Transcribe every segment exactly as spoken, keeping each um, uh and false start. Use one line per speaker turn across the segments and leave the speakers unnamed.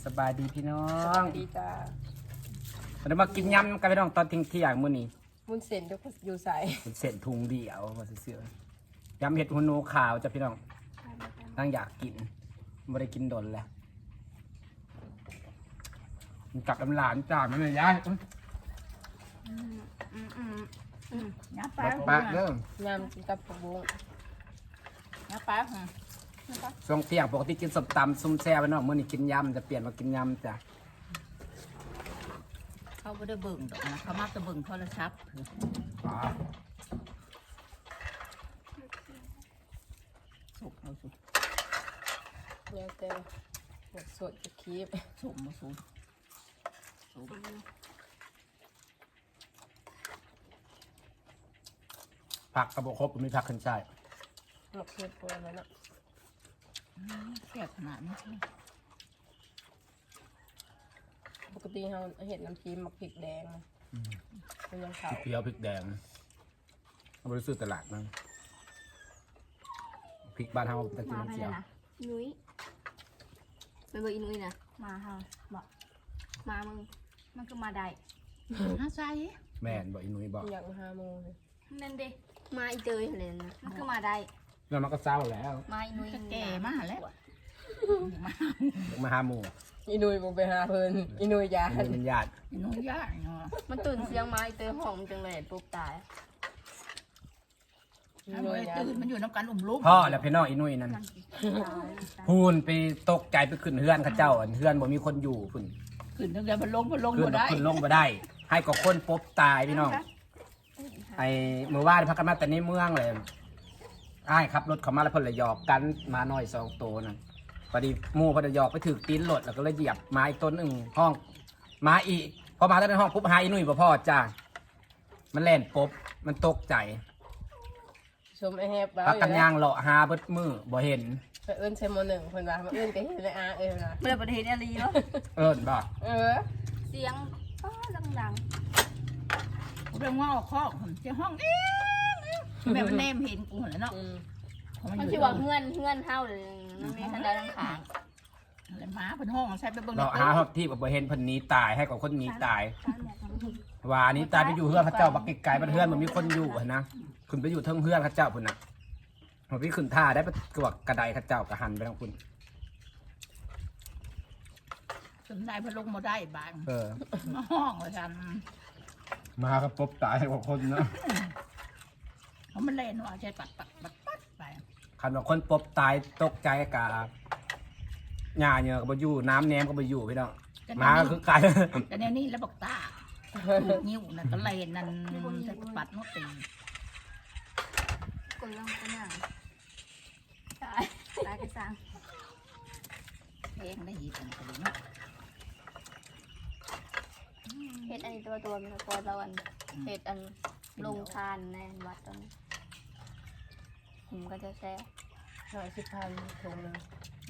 สบายดีพี่น้อ
ส
ง
วัสดีจ้า
วันนี้มากินยำกันพี่น้องตอนทิ้งเที่ยงมื้อนี้
มุ้นเส้นทุกคนอยู่ใส่
เป็นเศษถุงเดียวมาเสื่อๆยำเห็ดหัวโนขาวจ้ะพี่น้องตั้งอยากกินไม่ได้กินดนแล้วมันกลับลำหลานจ้ามันเลยย้าย
น้ำปลา
ปะเริ่ม
ยำกินกับผักบุ้ง
น้ำปลาค่ะ
ช่วงเที่ยงปกติกินสมตำซุ่มแซ่บพี่น้องมื้อนี้กินยำจะเปลี่ยนมากินยำจ้ะ
เขาไม่ได้เบิ่งดอกนะเขามาจะเบิ่งโทรศัพท์
อ๋อ
สุกเอาสุก
เนี่ยแต่หมดสดจะคีบ
สุกมาสุกสุก
ผักกระบอกครบมีผักขึ้นใช่
หมกเผ็ดตัวนั้นอ่ะ
แซ่บขนาดนี้
ปกติเราเห็ดน้ำจิ้มหมักพริกแดงนะเป็นยังขาว
พริกเขียวพริกแดงเอาไปซื้อตลาดมั้งพริกบ้านเฮาตะกินน้ำเจียว
นุ้ยเป็นเบอร์อีนุ้ยนะมาเฮาบอกมามึงมันก็มาได้
น่าใจ
แม่นบอกอีนุ้ยบอก
อยากมาหาโมงเลย
นั่นเด้มาอีเตยอะไรนะมันก็มาได้
แล้วมันก็เศร้าแล้ว
มาอีนุ้ย
แก่มากแล้ว
มาหาหมู
อีนุยมึงไปหาเพิ่นอีนุยยา
อีนุ้ยเป็นญาติ
น้องยากเนาะ
มันตื่นเสียงมาอีเตยหอมจังเลยปุ๊บตาย
อี
ถ้า
นุ
ไม่
ยยา
ตื่นมันอยู่น้ำกันอุ่มลุ่ม
พ่อแล้วพี่น้องอีนุ้ยนั่นพูนไปตกใจไปขึ้นเฮือนเข้าเจ้าอันเฮือนบ่มีคนอยู่พุ่น
ขึ้นตั้งแต่พันลงพันลง
ขึ้น
บ่ได้
ขึ้นลงบ่ได้ ให้กับคนปบตายพี่น้องไอ้เมื่อวานพักกันมาแต่ในเมืองเลยอ้ายขับรถเขามาแล้วเพิ่นเลยหยอกกันมาหน่อยสองตัวนั่นพอดีหมู่เพิ่นเลยหยอกไปถึกตีนรถแล้วก็เลยเหยียบไม้ต้นหนึ่งห้องมาอีกพอมาตั้งในห้องปุ๊บหาอีนุ้ยบ่พอจ้ามันแล่นปบมันตกใจ
ชมไอแฮบบ้า
พัก
อ
กัน
ยู่
ย่า
นะ
งเลาะหาเบิดมือบ่เห็น
ไปเอิ้นเชมโมหนึ่งเพิ่นว่ามาเอิ้นไปเห็นเลยอาเอ้ยนะ
เมื่อประเทศอะไรเนาะ
เอิ้นบ่
เออ
เสียงป้าดัง
เรื่องว่าออกข้อจะห้องเองแม่มันแนมเห็นกูเลยเนาะ
อืม
ๆมันชื่อว่าเฮือนเฮือนเฮาเลยมันมีทันใดทั้งขาง
อะไรมาเป็นห้องใช้ไปเบิ่ง
เลาะหาฮอบที่บ่เห็นเพิ่นหนีตายให้กับคนหนีตาย ว่านี้ตายไปอยู่เฮือนพระเจ้าบักไกลๆบ้านเฮือนมันมีคนอยู่หั่นนะขึ้นไปอยู่เทิงเฮือนพระเจ้าพุ่นน่ะมันไปขึ้นท่าได้ไปกวกกระไดพระเจ้ากระหันไปทางคุณ
สนได้พันลงมาได้บ้าง
เออ
ห้องเลยกัน
มาก็ปบตายให้กับคนเนาะ
เขามันเล่นว่าใช้ปัดปัดปัดปัดไป
คันว่าคนปบตายตกใจกะหญ้าเนี่ยก็บ่อยู่น้ำแหนมก็บ่อยู่พี่น้องมาก็คือไก่
แต่เนี่ยนี่แล้วบอกตานิ้วนั่นก็เล่นนั่นจะปัดนกตี
กดลงไปหน่อยตายตายกระซัง
เพลงได้ยินกันเลยเนาะ
เฮ็ดอันนี้ตัวตัวมีตัวตะวันเฮ็ดอันลงทานในวัดตอนนี้ผมก็จะแซ่
หน่อยสิบพันถุงหนึง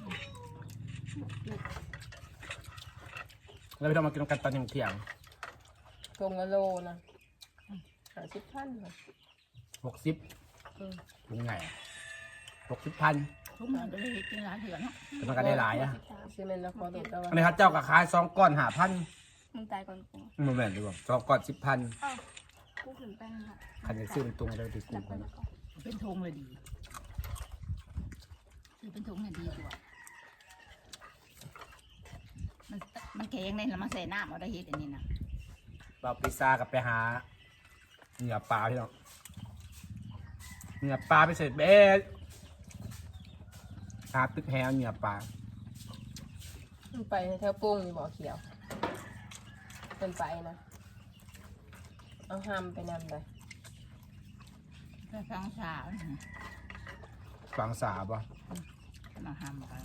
แล้วพี่น้องมากินกันตอนเที่ยง
ถุงละโลนะหาสิบพันค่ะ
หกสิบ
อืม
ถุงไงหกสิบพัน
ทุกมันก็เลยกินร้านเถื่อนเนาะ
แต่มันก็ได้หลายอ่ะ
ซีเมนต์ละครตกตะวัน
อันนี้ครับเจ้าก็ขายสองก้อนห้าพัน
มึงตายก่อนกู
มันแม่นดีกว่าสองก้อนสิบพัน
กูขึ้นแป้งค่ะ
คันจะซื้อเป็นตุงได้ดีกูกัน
เป็นทงเลยดีคือเป็นทงเนี่ยดีกว่ามันมันแข็งเลยแล้วมันใส่น้ำเอาได้เฮ็ดอันนี้นะ
เราพิซซ่ากับไปหาเหนือปลาพี่น้องเหนือปลาไปเสร็จเบ๊ะหาตึกแฮวเหนือปลา
มันไปแถวโป้งนี่บ่อเขียวเป็นไปนะเอาห้ามไปนำไป
ถ้าฟังสาว
ฝังสาบ่
มาห้ามกัน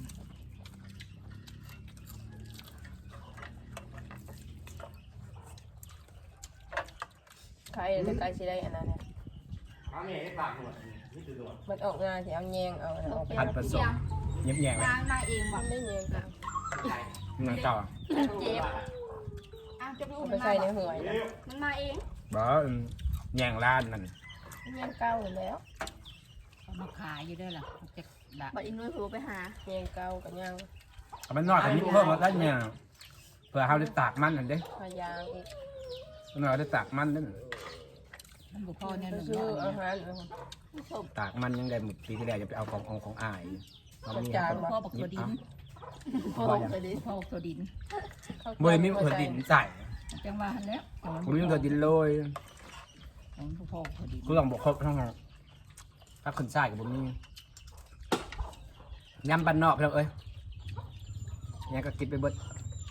ใครจะใครสิได้อันนั้นเนี่ย
ทำเองให้ปากหมดนี่คือหมด
มันออกงานที่เอาแยงเอาอันนั้นออกไป
พันผสมเงียบแยงเลย
มามาเองบ
มั
อก
นไม่แยงกัน
นั่งเจ้าอ่ะ
เจ็บอ้าวจะไป
เอา
อุ้ม
ไป
มัน
ใส่
มา
ในหวยนะ
มันมาเอง
บ่อืมแยงล้านนั่น
แยงเก้าอยู่แล้ว
เอามาขายอยู่ด้วยล่ะจะละ
บัดอินนุ้ยผูไปหา
แยงเก้ากับย่าง
เอามันน้อยกว่านี้เพิ่มมาได้เนี่ยเผื่อเขาได้ตากมันนั่นเด้
พยางอีก
มันน้อยได้ตากมันนั่น
มันบุพอเนี่ยหนึ่ง
ซื้ออาหาร
ตากมันยังได้หมดปีที่แล้วจะไปเอาของของของอายเอามี
บุพอบักตัวดิน
พ่อบอกเลย
บุพอบักตัวดิน
เมื่อมีเผื่อดินใส่
จังว่าหันแล้ว
ผมมีเผื่อดินเลย
ของบุพอบักตัวดิน
กูลองบอกครบทั้งห้องถ้าคนใส่กับผมนี่ยำบ้านนอกพี่น้องเอ้ยยังก็กินไปเบิด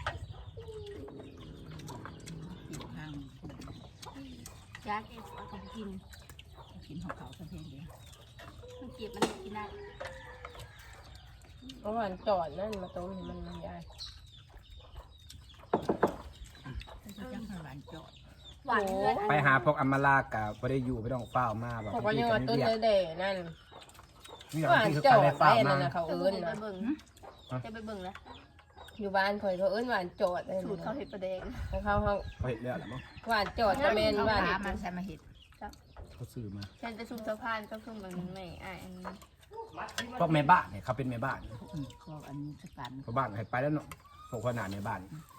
ทาง
ยากเอ็ดเอาของกิน
กินของเขาสักเพลงเดียว
มันเก็บมันกินได้
เมื่อวานจอดนั่นมาต้มให้มันมันยาย
จะจังหวานจอด
หวานเลือด
ไปหาพวกอัมมาลากับไม่ได้อยู่ไม่ต้องเฝ้ามาแบบ
เขาก็ยังว่าต้นเด่ๆนั่น
นี่
หวาน
ที่คือ
จอ
การ
ด
ได้
ไป
เฝ้า
นั่
มาน
นะเขา
เออ
เอิ้น
ไป
นะ
เบิ่งจะไปเบิ่งแล้ว
อยู่บ้านคอยเขาเอิ้นหวานจอดเลย
สูตรเขาเห็ดประเดง
เขาเขาเขา
เขาเห็นเรื่องหรือมั้ง
หวานจอดจะเมน
เอา
หวาน
ขามันใส่มาเห็ด
เขาซื้อมา
ฉันไปซุ่มสะพานก็ซุ่มแบบนี้ไม่อ่ะอันนี้
พวกแม่บ้านเนี่ยเขาเป็นแม่บ้าน
เขาอันนี้สกัน
พวกบ้านให้ไปแล้วเนาะพวกขนาดในบ้าน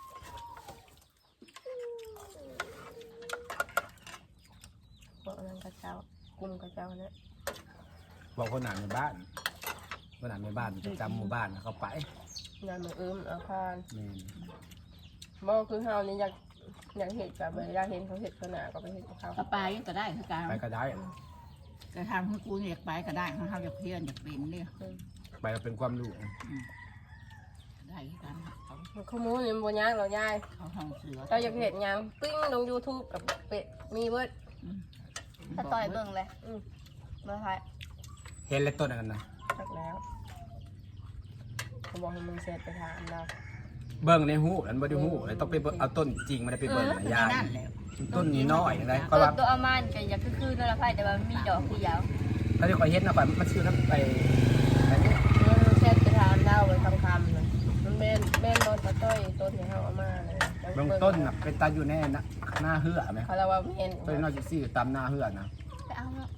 บอกนั่นกระเจ้ากลุ่มกระเจ้าเนี่ย
บอกขนาดในบ้านขนาดในบ้านประจำหมู่บ้านเขาไป
งานมืออื้มอาคาร
แม่น
บอกคือเฮานี่อยากอยากเห็ดกับเวลาเห็นเขาเห็ดขนาดก็ไปเห็ดกับเขา
กระปายก็ได้คือการ
ไปก็ได้
กระทำของกูอยากไปก็ได้ของเขาอยากเพี้ยนอยากเป็นเนี่ย
ไปก็เป็นความรู้
ได้คือการเขา
ข้อมูลนี่มันบ่ยากหรอกยาย
เขาห้องเสือ
เราอยากเห็ดหยังปิ้งลง YouTube กับเป็ดมีเบิด
ถ้าต่อยเบิ่งเลย
อืม
มาค่ะ
เห็นเลยต้นอันนั้นนะ
สักแล้วเขาบอกให้มึงเสร็จไปถามเรา
เบิ้งในหูอันบ่ได้หูเลยต้องไปเบิ่งเอาต้นจริงมันไปเบิ้งนะยาย
นั่นแหละ
ต้นนี้น้อยอะไรก็
ตัว
ว่า
ตัวอามันก็อยากคือๆนั่นแหละค่ะแต่ว่ามีดอกที่ยาว
ถ้าที่คอยเห็นนะก่อนมันซื้อน้ำไปไปเนี่ย
เออเสร็จไปถามเราไว้คำคำเลยมันแม่นแม่นรถตะต้อยต้นที่เขาเอามาเลย
เบื้องต้นน่ะเป็นตาอยู่แน่นะหน้าเหือไหม
เขาเรียกว่าแม่น
ต้นน้อยสิซี่ตามหน้าเหือนะ
ไปเอาเนาะ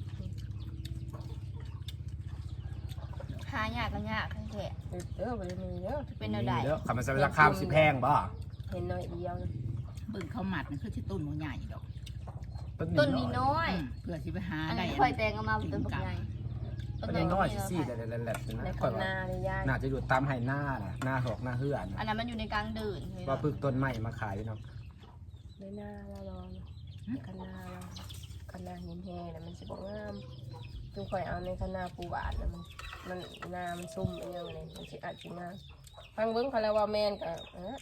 หายากก็ยากแท้
เออบ่ได้มีเยอะ
ๆเป็นแนวใด
เยอะคำมันจะราคาสิแพงบ่
เห็นน้อยเดียวนะ
บึงเขาหมัดมันคือที่ต้นหัวใหญ่ดอก
ต้นนี้น้อย
เพื่อที่ไปหา
อัน
ได้
นี้ค่อยแตงเอามาต้นบักใหญ่
ต้นน้อยสิซี่แต่แหลมๆ
ใน
นะ
คันนาเลยยาย
น่าจะอยู่ตามไห้หน้าน่ะหน้าหอกหน้าเหือ
อัน
นะ
นั้นมันอยู่ในกลางเดินเลย
ว่าปึกต้นไม้มาขายเนาะ
ในนาเราลองคันนาเราคันนาหินแห้งน่ะมันสิบ่งามจุงข่อยเอาในคันนาปูหวานน่ะมันมันนามันซุ่มเป็นยังไงมันสิอาจสิงามฟังเบิ่งเขาเรียกว่าแม่นก็เออ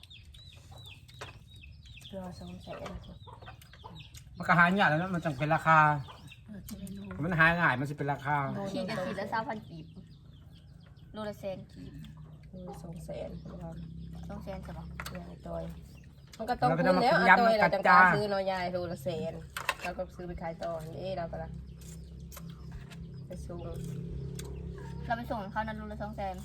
รอสองแสน
มันก็หายากแล้วนะมันจังเป็นราคา
เพื่อที่ได้รู้
มันหายง่ายมันสิเป็นราคา
ขีดละขีดละสามพันกีบโลละแสนกีบ
คือสองแสนครับ
สองแสนใช่ปะ
ยายจอย มันก็ต้องคุ้มแล้วเอาจอยเราจะกล้าซื้อเนอยายดูละแสนเราก็ซื้อไปขายต่อนี่เราก็ละไปสูง
เราไปส่งเขานั้นโลละสองแสน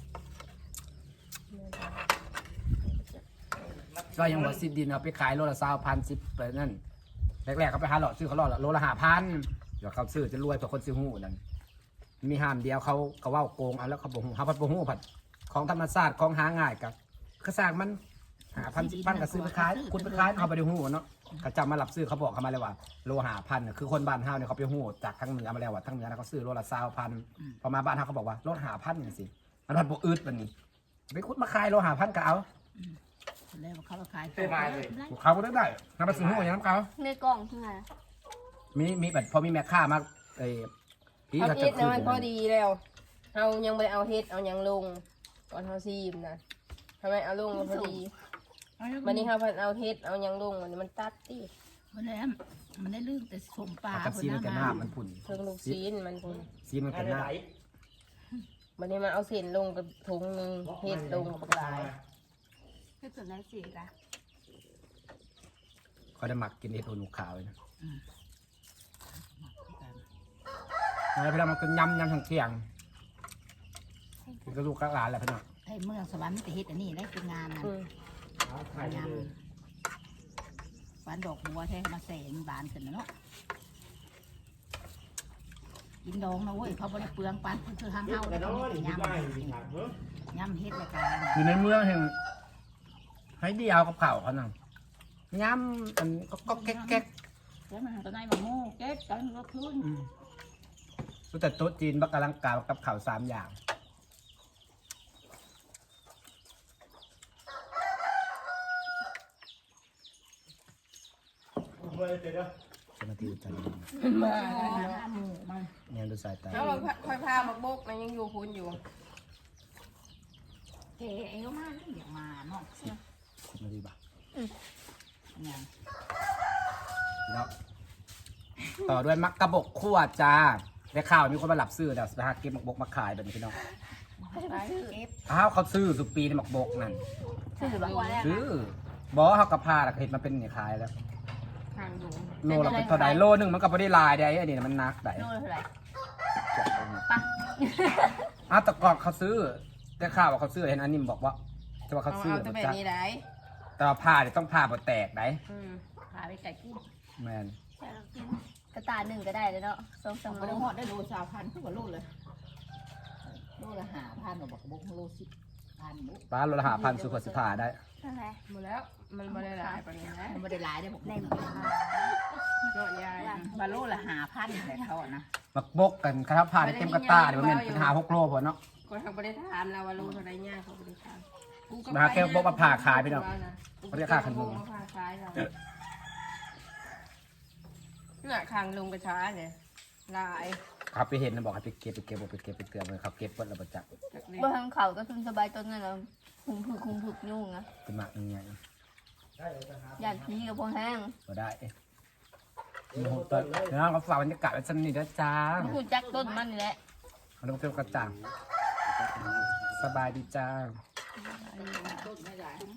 ก็ยังบอกสิบดินเอาไปขายโลละสามพันสิบไปนั่นแรกๆเขาไปหาหลอดซื้อเขาหลอดละโลละห้าพันเดี๋ยวเขาซื้อจะรวยเพราะคนซื้อหูนั่นมีห้ามเดียวเขาเขาว่าโกงเอาแล้วเขาบอกหูเขาพัดบอกหูผัดของธรรมชาติของหาง่ายกับกระสร้างมันหาพันสิบพันก็ซื้อไปขายคุณไปขายเขาไปดูหูเนาะเขาจำมาหลับซื้อเขาบอกเขามาเลยว่าโลหาพันคือคนบ้านเฮาเนี่ยเขาไปหูจากทั้งเหนือมาแล้วว่าทั้งเหนือเขาซื้อโลละสามพันพอมาบ้านเฮาเขาบอกว่าโลหาพันนี่สิมันพัดบวอึดมันนี่ไปคุดมาขายโลหาพันก็เอา
แล้วเขาขาย
เขาก็ได้ได้นำไปซื้อหูอย่างนั้นเขา
ในกล่องที่ไง
มีมีแบบพอมีแม่ค้ามาไอ้พี่
เอา
เขา
เฮ็
จะ
ด
ซื้
นะ
อ
มันพอดีแล้วเอายังไม่เอาเฮ็ดเอายังลงก่อนเขาซีมนะทำไมเอาลงมันพอดีวันนี้เขาพันเอาเฮ็ดเอายังลงวันนี้มันตัดตี
มันได้มันได้ลื่นแต่สมปลา
กับซีมันกันหน้ามันผุ่น
เพิ่งลูกซีนมันคุณ
ซีมันกันหน้า
วันนี้มาเอาเส้นลงกับถุงหนึงเฮ็ดลงกับลาย
คือส่วนนั้นสิค่ะ
เขาได้หมักกินเห็ดโอนุขาวเลยนะอะไรพี่เรามันก็ยำยำทั้งเที่ยงคือกระดูกกระหลานแหละพี่น้อง
ไอ้เมืองสวรรค์แต่เฮ็ดอันนี้ได้เป็นงานนะ
อืม
งานหวานดอกบัวแท้มาแสงบานขึ้นนะเนาะกินดองนะเว้ยเขาบริเปลืองปันคือห้างเฮาแล้วก็ไม่เป็นยำย่ำเฮ็ดรายการ
อยู่ในเมืองแห่งให้เดียวกับเข่าวเขานั่งย้ำอันก็ก็แก๊กแก๊ก
แล้วมันตัวไหนมาโม่เก็บกันก็คืน
อืมรู้แต่โต๊ะจีนบักกะลังกากับข่าวสามอย่างสมาธิจันทร์
มา
ห้าหมู่มัน
เนี่ยดูสายตา
แล้วเราค่อยพามาบกมันยังอยู่พูนอยู่
เก๋เอวมากนี่อย่ามาเนาะ
สมาธิบ้า
อย่าง
แล้วต่อด้วยมักกะบกคั่วจ้าได้ข่าวมีคนมาหลับซื้อเดี๋ยวสหกิจมักบกมาขายแบบนี้พี่น้อง
เก็บ
อ้าวเขาซื้อสุปีในมักบกนั่น
ชื่อแบบว่า
ซื้อบอกเขากระพาเห็นมันเป็นนี่ขายแล้ว
ทางดู
โลละเป็นเท่าใดโลหนึงมันก็ไม่ได้ลายได้อันนี้มันนักได้
โลเท่าไหร่
ปะอ้าวแต่ก่อนเขาซื้อได้ข่าวว่าเขาซื้อเห็นอันนี้บอกว่าจะว่า
เอา
เขาซื้อ
เอาแต่แบบนี้ได้
แต่ว่าผ้าเนี่ยต้องผ้าบดแตกได้
อืม
พาไปไก่กุ้ง
แมน
กระตาหนึ่งก็ได้เลยเนาะสองสาม
ไม่
โล
ได้หอดได้โลสามพันขึ้นกว่าโลเลยโลละห้าพันหนูบอกบอกโลสิบพันบุ๊ก
ป้าโลละหาพันสุขสิผ่าได้
นั่นแหละ
หมดแล้วมันไม่ได้หลายปานนี้นะ
มันไม่ได้หลายได้บอก
ใน
ใน
ห
ห
มู่
มู่
บ้าน
เนาะยาย
มาโลละห้าพันแหละเขาอะนะ
มักบกกันครับผ้าเนี่ยเต็มกระตาเดี๋ยวมันเป็นเป็นหาหกโลพอเนาะ
คนทางบริถามเราว่าลูกเท่าไรเนี่ยเขาบริถาม
มาแค่บอกว่าผ่าขายพี่น้องเขาเรียกค่าขนม
ผ่าขายเราเนี่ยคางลุงกระช้าเนี่ยลาย
ครับไปเห็นนะบอกให้ไปเก็บไปเก็บบอกไปเก็บไปเตือนเลยเขาเก็บเพิ่นแล้วประจักษ์
จากเล็ก
บ่ทางเขาก็คือสบายต้นนั่นแหละคุมผึกคุมผึกยุ่งอะ
เป็นหมักยังไง
อยากพีกับพวกแห้ง
ก็ได้เอ๊ะโอ้โหตอนแล้วก็ฝากบรรยากาศไว้สักนิดนะจ้า
กูจักต้นมันนี่แหละ
ขนมเปี๊ยวกระจ่างสบายดีจ้า
ต้นไม่ได้